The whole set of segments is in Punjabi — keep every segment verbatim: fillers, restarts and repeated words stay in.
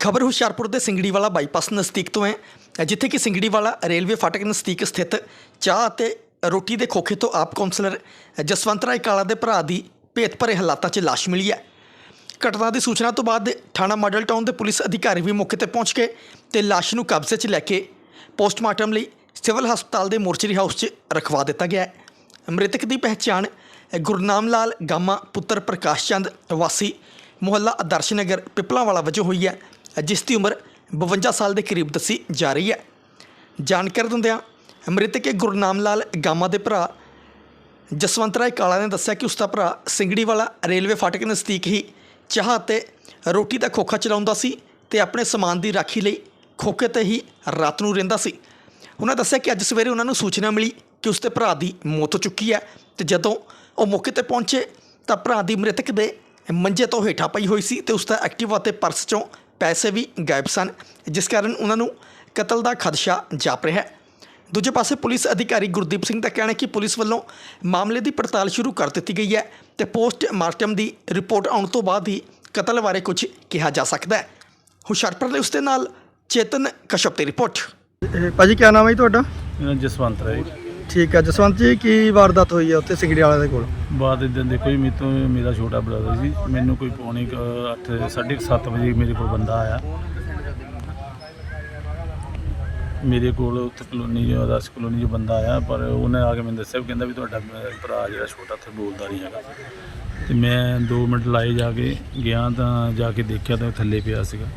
खबर हुशियारपुर के सिंगड़ीवाला बाईपास नज़दीक तो है जिथे कि सिंगड़ीवाला रेलवे फाटक नज़दीक स्थित चाह ते रोटी के खोखे तो आप कौंसलर जसवंत राय काला के भरा की भेत भरे हालातों च लाश मिली है। घटना की सूचना तो बाद थाना मॉडल टाउन के पुलिस अधिकारी भी मौके पर पहुँच गए तो लाश नूं कब्जे च लैके पोस्टमार्टम लई सिविल हस्पताल के मोर्चरी हाउस च रखवा दिता गया है। मृतक की पहचान गुरनाम लाल गामा पुत्र प्रकाश चंद वासी मुहल्ला आदर्श नगर पिपलावाला वजों हुई है, जिसकी उम्र बवंजा साल के करीब दसी जा रही है। जानकारी दिंदियां मृतक गुरनाम लाल गामा के भरा जसवंत राय काला ने दस्सिया कि उसका भरा सिंगड़ीवाला रेलवे फाटक नज़दीक ही चाह ते रोटी का खोखा चलाउंदा सी ते अपने समान की राखी लई खोखे ते ही रात नूं रहिंदा सी। उन्होंने दस्सिया कि अज सवेरे उन्होंने सूचना मिली कि उसके भरा की मौत हो चुकी है तो जदों वो मौके पर पहुँचे तो भरा की मृतक के मंजे तो हेठा पई हुई सी ते उसका एक्टिवा ते पर्स चों पैसे भी गायब सन, जिस कारण उन्होंने कतल का खदशा जाप रहा है। दूजे पासे पुलिस अधिकारी गुरदीप सिंह का कहना है कि पुलिस वालों मामले की पड़ताल शुरू कर दी गई है तो पोस्टमार्टम की रिपोर्ट आने तो बाद ही कतल बारे कुछ कहा जा सकता है। हुशियारपुर ਦੇ उसके नाल चेतन कश्यप की रिपोर्ट। ਭਾਜੀ क्या नाम है जी ਤੁਹਾਡਾ? जसवंत राय। ठीक है जसवंत जी की वारदात हुई है उत्थे सिंगड़ी वाले ਦੇ ਕੋਲ? ਬਾਅਦ ਇਦਾਂ ਦੇਖੋ ਜੀ, ਮੇਰੇ ਤੋਂ ਮੇਰਾ ਛੋਟਾ ਬ੍ਰਦਰ ਸੀ, ਮੈਨੂੰ ਕੋਈ ਪੌਣੇ ਕੁ ਅੱਠ ਸਾਢੇ ਕੁ ਸੱਤ ਵਜੇ ਮੇਰੇ ਕੋਲ ਬੰਦਾ ਆਇਆ ਮੇਰੇ ਕੋਲ ਉੱਥੇ ਕਲੋਨੀ ਜੋ ਦਸ ਕਲੋਨੀ ਜੋ ਬੰਦਾ ਆਇਆ, ਪਰ ਉਹਨੇ ਆ ਕੇ ਮੈਨੂੰ ਦੱਸਿਆ ਵੀ ਕਹਿੰਦਾ ਵੀ ਤੁਹਾਡਾ ਭਰਾ ਜਿਹੜਾ ਛੋਟਾ ਉੱਥੇ ਬੋਲਦਾ ਨਹੀਂ ਹੈਗਾ। ਅਤੇ ਮੈਂ ਦੋ ਮਿੰਟ ਲਾਏ ਜਾ ਕੇ ਗਿਆ ਤਾਂ ਜਾ ਕੇ ਦੇਖਿਆ ਤਾਂ ਥੱਲੇ ਪਿਆ ਸੀਗਾ।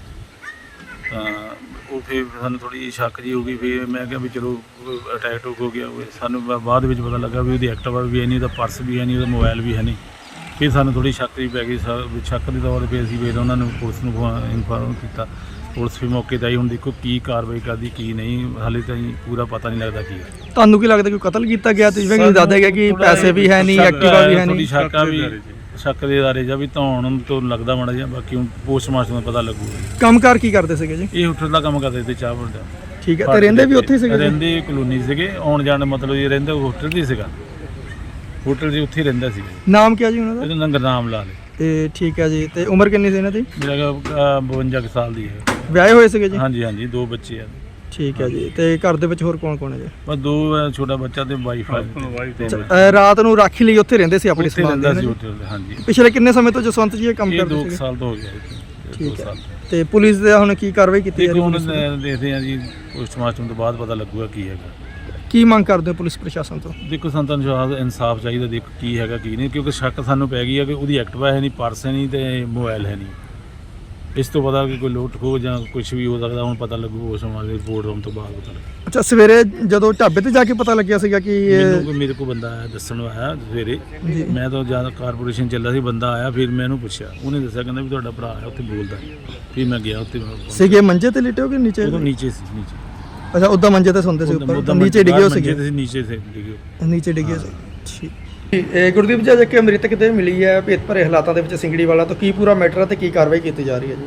ਤਾਂ ਉਹ ਫਿਰ ਸਾਨੂੰ ਥੋੜ੍ਹੀ ਸ਼ੱਕ ਜਿਹੀ ਹੋ ਗਈ। ਫਿਰ ਮੈਂ ਕਿਹਾ ਵੀ ਚਲੋ ਅਟੈਕ ਟੂਕ ਹੋ ਗਿਆ ਹੋਵੇ। ਸਾਨੂੰ ਬਾ- ਬਾਅਦ ਵਿੱਚ ਪਤਾ ਲੱਗਾ ਵੀ ਉਹਦੀ ਐਕਟਿਵਾ ਵੀ ਹੈ ਨਹੀਂ, ਉਹਦਾ ਪਰਸ ਵੀ ਹੈ ਨਹੀਂ, ਉਹਦਾ ਮੋਬਾਈਲ ਵੀ ਹੈ ਨਹੀਂ। ਫਿਰ ਸਾਨੂੰ ਥੋੜ੍ਹੀ ਸ਼ੱਕ ਜਿਹੀ ਪੈ ਗਈ। ਸਾ ਸ਼ੱਕ ਦੇ ਤੌਰ 'ਤੇ ਅਸੀਂ ਫਿਰ ਉਹਨਾਂ ਨੂੰ ਪੁਲਿਸ ਨੂੰ ਇਨਫਾਰਮ ਕੀਤਾ। ਪੁਲਿਸ ਵੀ ਮੌਕੇ 'ਤੇ ਆਈ। ਹੁਣ ਦੇਖੋ ਕੀ ਕਾਰਵਾਈ ਕਰਦੀ ਕੀ ਨਹੀਂ, ਹਾਲੇ ਤਾਂ ਜੀ ਪੂਰਾ ਪਤਾ ਨਹੀਂ ਲੱਗਦਾ ਕੀ ਹੈ। ਤੁਹਾਨੂੰ ਕੀ ਲੱਗਦਾ ਕਿ ਕਤਲ ਕੀਤਾ ਗਿਆ ਤੇ ਜਿਵੇਂ ਕਿ ਦੱਸਦਾ ਗਿਆ ਕਿ ਪੈਸੇ ਵੀ ਹੈ ਨਹੀਂ, ਐਕਟਿਵਾ ਵੀ ਹੈ ਨਹੀਂ? ਸ਼ੱਕ ਆ ਵੀ ਸ਼ੱਕ ਦੇ ਦਾਰੇ ਜਾਂ ਵੀ ਧੌਣ ਤੋਂ ਲੱਗਦਾ ਮਾੜਾ ਜਿਹਾ, ਬਾਕੀ ਹੁਣ ਪੋਸਟਮਾਰਟਮ ਦਾ ਪਤਾ ਲੱਗੂਗਾ। ਕੰਮਕਾਰ ਕੀ ਕਰਦੇ ਸੀਗੇ ਜੀ? ਇਹ ਹੋਟਲ ਦਾ ਕੰਮ ਕਰਦੇ ਤੇ ਚਾਹ ਬਣਦਾ। ਠੀਕ ਹੈ ਤੇ ਰਹਿੰਦੇ ਵੀ ਉੱਥੇ ਸੀਗੇ? ਰਹਿੰਦੇ ਕਲੋਨੀ ਸੀਗੇ, ਆਉਣ ਜਾਣ ਮਤਲਬ ਇਹ ਰਹਿੰਦੇ ਹੋਟਲ ਦੀ ਸੀਗਾ, ਹੋਟਲ ਜੀ ਉੱਥੇ ਹੀ ਰਹਿੰਦਾ ਸੀ। ਨਾਮ ਕੀ ਜੀ ਉਹਨਾਂ ਦਾ? ਇਹਦਾ ਨਾਂ ਗੁਰਨਾਮ ਲਾਲ। ਤੇ ਠੀਕ ਹੈ ਜੀ ਤੇ ਉਮਰ ਕਿੰਨੀ ਸੀ ਇਹਨਾਂ ਦੀ? ਮੇਰਾ ਅਹ, ਬਵੰਜਾ ਕੁ ਸਾਲ ਦੀ ਹੈ। ਵਿਆਹੇ ਹੋਏ ਸੀਗੇ ਜੀ? ਹਾਂਜੀ ਹਾਂਜੀ, ਦੋ ਬੱਚੇ ਆ। ਠੀਕ ਹੈ ਜੀ ਤੇ ਘਰ ਦੇ ਵਿੱਚ ਹੋਰ ਕੌਣ ਕੌਣ ਹੈ ਜੀ? ਬਸ ਦੋ ਆ, ਛੋਟਾ ਬੱਚਾ ਤੇ ਵਾਈਫ ਆ। ਅ, ਰਾਤ ਨੂੰ ਰਾਖੀ ਲਈ ਉੱਥੇ ਰਹਿੰਦੇ ਸੀ ਆਪਣੇ ਉੱਥੇ ਸਮਾਨ ਰਹਿੰਦਾ ਦੇ ਸੀ ਨਾਲ? ਹੋਟਲ। ਹਾਂਜੀ, ਪਿਛਲੇ ਕਿੰਨੇ ਸਮੇਂ ਤੋਂ ਜਸਵੰਤ ਜੀ ਇਹ ਕੰਮ ਇਹ ਕਰਦੇ ਦੋ ਸੀਗੇ? ਸਾਲ ਤੋਂ ਹੋ ਗਿਆ ਇਹ। ਠੀਕ ਦੋ ਹੈ ਸਾਲ ਤੇ ਪੁਲਿਸ ਦਾ ਹੁਣ ਕੀ ਕਾਰਵਾਈ ਕੀਤੀ ਜਾ ਦੇਖੋ ਰਹੀ ਹੁਣ ਹੈ? ਦੇਖਦੇ ਆ ਜੀ, ਪੋਸਟਮਾਰਟਮ ਤੋਂ ਬਾਅਦ ਪਤਾ ਲੱਗੂਗਾ ਕੀ ਹੈਗਾ। ਕੀ ਮੰਗ ਕਰਦੇ ਹੋ ਪੁਲਿਸ ਪ੍ਰਸ਼ਾਸਨ ਤੋਂ? ਦੇਖੋ ਸੰਤਾਂ ਨੂੰ ਇਨਸਾਫ ਚਾਹੀਦਾ, ਦੇਖੋ ਕੀ ਹੈਗਾ ਕੀ ਨਹੀਂ, ਕਿਉਂਕਿ ਸ਼ੱਕ ਸਾਨੂੰ ਪੈ ਗਈ ਹੈ ਕਿ ਉਹਦੀ ਐਕਟਿਵਾ ਹੈ ਨਹੀਂ, ਪਰਸ ਹੈ ਨਹੀਂ ਤੇ ਮੋਬਾਈਲ ਹੈ ਨਹੀਂ। ਇਸ ਤੋਂ ਪਤਾ ਕਿ ਕੋਈ ਲੁੱਟ ਖੋਹ ਜਾਂ ਕੁਝ ਵੀ ਹੋ ਸਕਦਾ, ਹੁਣ ਪਤਾ ਲੱਗੂ ਉਸ ਸਮਾਂ ਦੇ ਰਿਪੋਰਟ ਆਉਣ ਤੋਂ ਬਾਅਦ ਪਤਾ ਲੱਗੂ। ਅੱਛਾ ਸਵੇਰੇ ਜਦੋਂ ਢਾਬੇ ਤੇ ਜਾ ਕੇ ਪਤਾ ਲੱਗਿਆ ਸੀਗਾ ਕਿ ਇਹ- ਮੈਨੂੰ ਕੋਈ ਮੇਰੇ ਕੋਲ ਬੰਦਾ ਆਇਆ ਦੱਸਣ ਆਇਆ ਸਵੇਰੇ, ਜੀ। ਮੈਂ ਤਾਂ ਜ਼ਿਆਦਾ ਕਾਰਪੋਰੇਸ਼ਨ ਚੱਲਿਆ ਸੀ, ਬੰਦਾ ਆਇਆ ਫਿਰ ਮੈਂ ਉਹਨੂੰ ਪੁੱਛਿਆ, ਉਹਨੇ ਦੱਸਿਆ ਕਹਿੰਦਾ ਵੀ ਤੁਹਾਡਾ ਭਰਾ ਹੈ ਉੱਥੇ ਬੋਲਦਾ। ਫਿਰ ਮੈਂ ਗਿਆ ਉੱਥੇ, ਸੀਗੇ ਮੰਜੇ ਤੇ ਲਿਟੇ ਹੋ ਕਿ ਨੀਚੇ? ਉਦੋਂ ਨੀਚੇ ਸੀ, ਨੀਚੇ ਅੱਛਾ ਉੱਦਾਂ ਮੰਜੇ ਤੇ ਸੌਂਦੇ ਸੀ, ਉੱਪਰ ਉੱਦਾਂ ਨੀਚੇ ਡਿੱਗੇ ਹੋ ਮੰਜੇ ਸੀਗੇ? ਤੇ ਸੀ, ਨੀਚੇ ਸੇ ਡਿੱਗੇ। ਨੀਚੇ ਡਿੱਗੇ ਸੀ। ਠੀਕ ਇਹ ਗੁਰਦੀਪ ਜੀ ਜੇ ਕਿ ਮ੍ਰਿਤਕ ਤੇ ਮਿਲੀ ਹੈ ਭੇਤ ਭਰੇ ਹਾਲਾਤਾਂ ਦੇ ਵਿੱਚ ਸਿੰਗੜੀ ਵਾਲਾ, ਤਾਂ ਕੀ ਪੂਰਾ ਮੈਟਰ ਹੈ ਤੇ ਕੀ ਕਾਰਵਾਈ ਕੀਤੀ ਜਾ ਰਹੀ ਹੈ ਜੀ?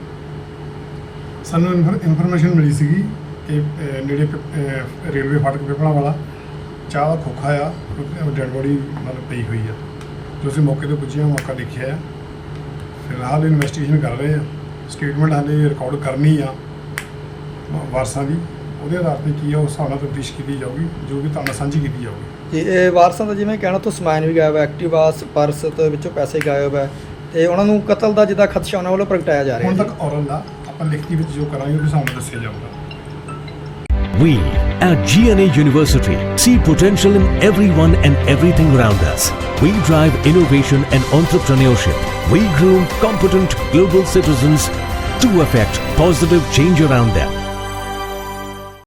ਸਾਨੂੰ ਇਨਫੋਰਮੇਸ਼ਨ ਮਿਲੀ ਸੀਗੀ ਕਿ ਅਹ, ਨੇੜੇ ਪਿ- ਅਹ, ਰੇਲਵੇ ਫਾਟਕ ਪਿਪਲਾ ਵਾਲਾ ਚਾਹ ਦਾ ਖੋਖਾ ਆ, ਡੈਡ ਬੋਡੀ ਮਤਲਬ ਪਈ ਹੋਈ ਆ। ਜੋ ਅਸੀਂ ਮੌਕੇ 'ਤੇ ਪੁੱਜੇ ਹਾਂ, ਮੌਕਾ ਦੇਖਿਆ ਆ। ਫਿਲਹਾਲ ਇਨਵੈਸਟੀਗੇਸ਼ਨ ਕਰ ਰਹੇ ਆ। ਸਟੇਟਮੈਂਟ ਹਾਲੇ ਰਿਕਾਰਡ ਕਰਨੀ ਆ ਵਾਰਸਾਂ ਦੀ, ਉਹਦੇ ਆਧਾਰ 'ਤੇ ਕੀ ਆ ਉਸ ਹਿਸਾਬ ਨਾਲ ਤਫਤੀਸ਼ ਕੀਤੀ ਜਾਊਗੀ, ਜੋ ਕਿ ਤੁਹਾਨੂੰ ਸਾਂਝੀ ਕੀਤੀ ਜਾਊਗੀ। ਜੀ ਇਹ ਵਾਰਸਾਂ ਦਾ ਜਿਵੇਂ ਕਹਿਣਾ ਤੋਂ ਸਮਾਨ ਵੀ ਗਾਇਬ ਹੈ, ਐਕਟਿਵਾ ਪਰਸ ਤੇ ਵਿੱਚੋਂ ਪੈਸੇ ਗਾਇਬ ਹੈ ਤੇ ਉਹਨਾਂ ਨੂੰ ਕਤਲ ਦਾ ਜਿੱਦਾਂ ਖਦਸ਼ਾ ਉਹਨਾਂ ਵੱਲੋਂ ਪ੍ਰਗਟਾਇਆ ਜਾ ਰਿਹਾ ਹੁਣ ਹੈ। ਤੱਕ ਔਰਲ ਦਾ ਆਪਾਂ ਲਿਖਤੀ ਵਿੱਚ ਜੋ ਕਰਾਂਗੇ ਉਹ ਵੀ ਸਾਨੂੰ ਦੱਸਿਆ ਜਾਊਗਾ। We at G N A University see potential in everyone and everything around us. We drive innovation and entrepreneurship. We groom competent global citizens to affect positive change around them.